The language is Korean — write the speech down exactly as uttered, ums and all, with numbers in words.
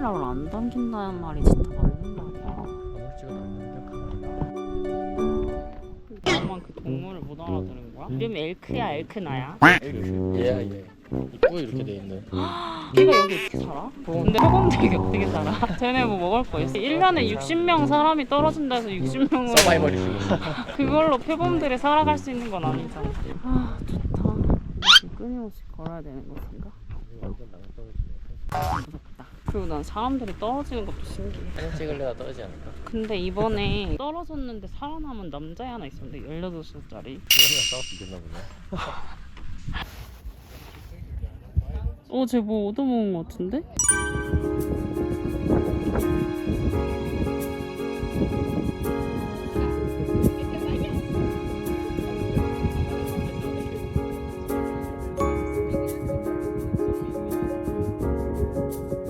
카메라를 안 당긴다는 말이 진짜 맞는 말이야. 아무리 찍어도 안 되는데. 나만 그 동물을 못 알아들은 거야? 이름이 엘크야 엘크나야? 얘야 얘. 이쁘게 이렇게 돼 있네. 걔가 여기 어떻게 살아? 근데 표범들이 어떻게 살아? 쟤네 뭐 먹을 거 있어? 일 년에 육십 명 사람이 떨어진다 해서 육십 명으로 서바이벌 이슈. 그걸로 표범들이 살아갈 수 있는 건 아니잖아. 아 좋다. 지금 끊임없이 걸어야 되는 것인가? 완전 나가 떨어지네. 무섭다. 그리고 난 사람들이 떨어지는 것도 신기해. 사진 찍을래가 떨어지지 않을까? 근데 이번에 떨어졌는데 살아남은 남자 하나 있었는데 열여덟 살짜리. 그냥 싸웠으면 됐나 보네. 어, 쟤 뭐 얻어먹은 것 같은데?